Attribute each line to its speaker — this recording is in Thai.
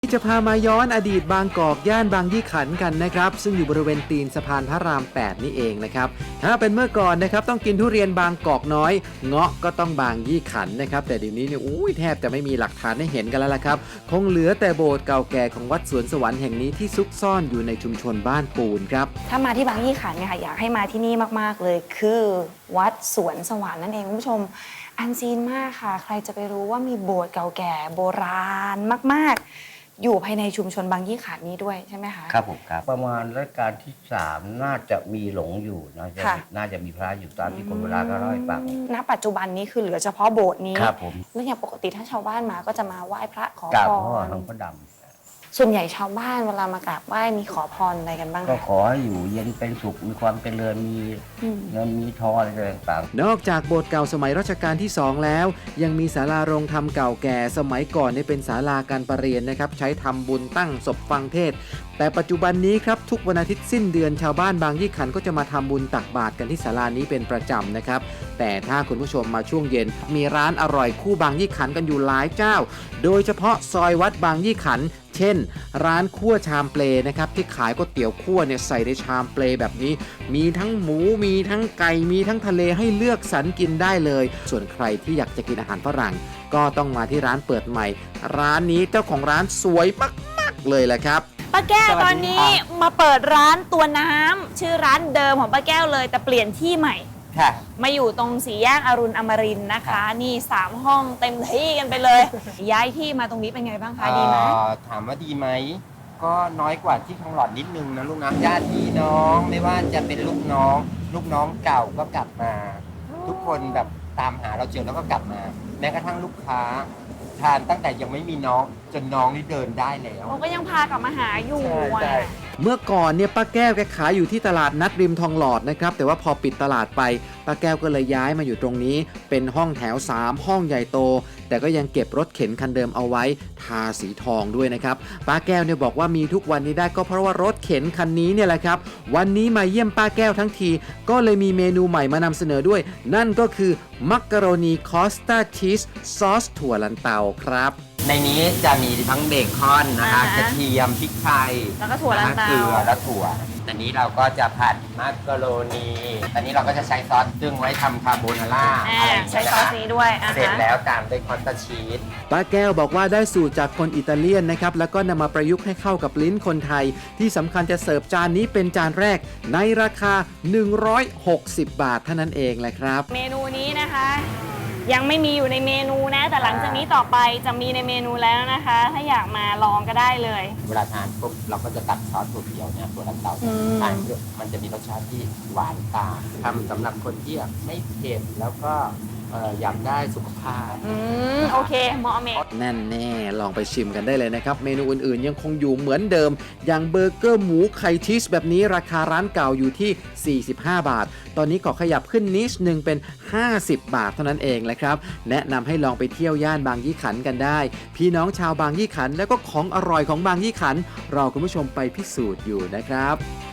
Speaker 1: จะพามาย้อนอดีตบางกอกย่านบางยี่ขันกันนะครับซึ่งอยู่บริเวณตีนสะพานพระราม 8 นี่เองนะครับถ้าเป็นเมื่อก่อนนะครับต้องกินทุเรียนบางกอกน้อยเงาะก็ต้องบางยี่ขันนะครับแต่เดี๋ยวนี้เนี่ยแทบจะไม่มีหลักฐานให้เห็นกันแล้วล่ะครับคงเหลือแต่โบสถ์เก่าแก่ของวัดสวนสวรรค์แห่งนี้ที่ซุกซ่อนอยู่ในชุมชนบ้านปูนครับ
Speaker 2: ถ้ามาที่บางยี่ขันเนี่ยค่ะอยากให้มาที่นี่มากๆเลยคือวัดสวนสวรรค์นั่นเองคุณผู้ชมอันซีนมากค่ะใครจะไปรู้ว่ามีโบสถ์เก่าแก่โบราณมากๆอยู่ภายในชุมชนบางยี่ขันนี้ด้วยใช่ไหมคะ
Speaker 3: ครับผมครับประมาณรัชกาลที่ 3น่าจะมีหลงอยู่น่าจะมีพระอยู่ตามที่คนโบราณก็เล่าให้ฟัง
Speaker 2: ณปัจจุบันนี้คือเหลือเฉพาะโบสถ์นี้
Speaker 3: ครับผม
Speaker 2: แล้วอย่างปกติถ้าชาวบ้านมาก็จะมาไหว้พระขอพร
Speaker 3: กราบพ่อหลวงพ่อดำ
Speaker 2: ส่วนใหญ่ชาวบ้านเวลามากราบไหว้มีขอพรอะไรกันบ้าง
Speaker 3: ก็ขอให้อยู่เย็นเป็นสุขมีความเจริญมีเงินมีทองอะไรต่าง
Speaker 1: ๆนอกจากโบสถ์เก่าสมัยรัชกาลที่ 2แล้วยังมีศาลาโรงธรรมเก่าแก่สมัยก่อนเป็นศาลาการประเรียนนะครับใช้ทำบุญตั้งศพฟังเทศแต่ปัจจุบันนี้ครับทุกวันอาทิตย์สิ้นเดือนชาวบ้านบางยี่ขันก็จะมาทำบุญตักบาตรกันที่ศาลานี้เป็นประจำนะครับแต่ถ้าคุณผู้ชมมาช่วงเย็นมีร้านอร่อยคู่บางยี่ขันกันอยู่หลายเจ้าโดยเฉพาะซอยวัดบางยี่ขันเช่นร้านคั่วชามเปลนะครับที่ขายก๋วยเตี๋ยวคั่วใส่ในชามเปลแบบนี้มีทั้งหมูมีทั้งไก่มีทั้งทะเลให้เลือกสรรกินได้เลยส่วนใครที่อยากจะกินอาหารฝรั่งก็ต้องมาที่ร้านเปิดใหม่ร้านนี้เจ้าของร้านสวยมากๆเลยแหละครับ
Speaker 2: ป้าแก้วตอนนี้มาเปิดร้านตัวน้ำชื่อร้านเดิมของป้าแก้วเลยแต่เปลี่ยนที่ใหม่มาอยู่ตรงสี่แยกอรุณอมรินทร์นะคะนี่3ห้องเต็มที่กันไปเลยย้ายที่มาตรงนี้เป็นไงบ้างคะดีไหม
Speaker 4: ถามว่าดีไหมก็น้อยกว่าที่ทองหล่อนิดนึงนะลูกนะญาติพี่น้องไม่ว่าจะเป็นลูกน้องเก่าก็กลับมาทุกคนแบบตามหาเราเจอแล้วก็กลับมาแม้กระทั่งลูกค้าทานตั้งแต่ยังไม่มีน้องจนน้องนี่เดินได้แล้ว
Speaker 2: เขาก็ยังพากลับมาหาอยู่
Speaker 1: เมื่อก่อนป้าแก้วแกขายอยู่ที่ตลาดนัดริมทองหลอดนะครับแต่ว่าพอปิดตลาดไปป้าแก้วก็เลยย้ายมาอยู่ตรงนี้เป็นห้องแถว3ห้องใหญ่โตแต่ก็ยังเก็บรถเข็นคันเดิมเอาไว้ทาสีทองด้วยนะครับป้าแก้วบอกว่ามีทุกวันนี้ได้ก็เพราะว่ารถเข็นคันนี้เนี่ยแหละครับวันนี้มาเยี่ยมป้าแก้วทั้งทีก็เลยมีเมนูใหม่มานำเสนอด้วยนั่นก็คือมักกะโรนีคอสตาชีสซอสถั่วลันเตาครับ
Speaker 4: ในนี้จะมีทั้งเบคอนนะคะกระเทียมพริกไทย
Speaker 2: แล้วก็ถั่วลันเตา
Speaker 4: เกลือและถั่วอันนี้เราก็จะผัดมักกะโรนีอันนี้เราก็จะใช้ซอสซึ่งไว้ทำคาโบนาร่า
Speaker 2: ใช้ซอสนี้ด้วย
Speaker 4: เสร็จแล้วตามด้วยคอสตาชีส
Speaker 1: ป้าแก้วบอกว่าได้สูตรจากคนอิตาเลียนนะครับแล้วก็นำมาประยุกต์ให้เข้ากับลิ้นคนไทยที่สำคัญจะเสิร์ฟจานนี้เป็นจานแรกในราคา160 บาทเท่านั้นเองแหละครับ
Speaker 2: เมนูนี้นะคะยังไม่มีอยู่ในเมนูนะแต่หลังจากนี้ต่อไปจะมีในเมนูแล้วนะคะถ้าอยากมาลองก็ได้เลย
Speaker 4: เวลาทานปุ๊บเราก็จะตัดซอสถั่วเขียวเนี่ยถั่วลันเตาทานมันจะมีรสชาติที่หวานตามทำสำหรับคนที่ไม่เผ็ดแล้วก็อยากได้สุขภาพ
Speaker 2: โอเคเหมาะเมฆ
Speaker 1: นั่นแน่ลองไปชิมกันได้เลยนะครับเมนูอื่นๆยังคงอยู่เหมือนเดิมอย่างเบอร์เกอร์หมูไข่ชีสแบบนี้ราคาร้านเก่าอยู่ที่45 บาทตอนนี้ขอขยับขึ้นนิดนึงเป็น50 บาทเท่านั้นเองแหละครับแนะนำให้ลองไปเที่ยวย่านบางยี่ขันกันได้พี่น้องชาวบางยี่ขันแล้วก็ของอร่อยของบางยี่ขันรอคุณผู้ชมไปพิสูจน์อยู่นะครับ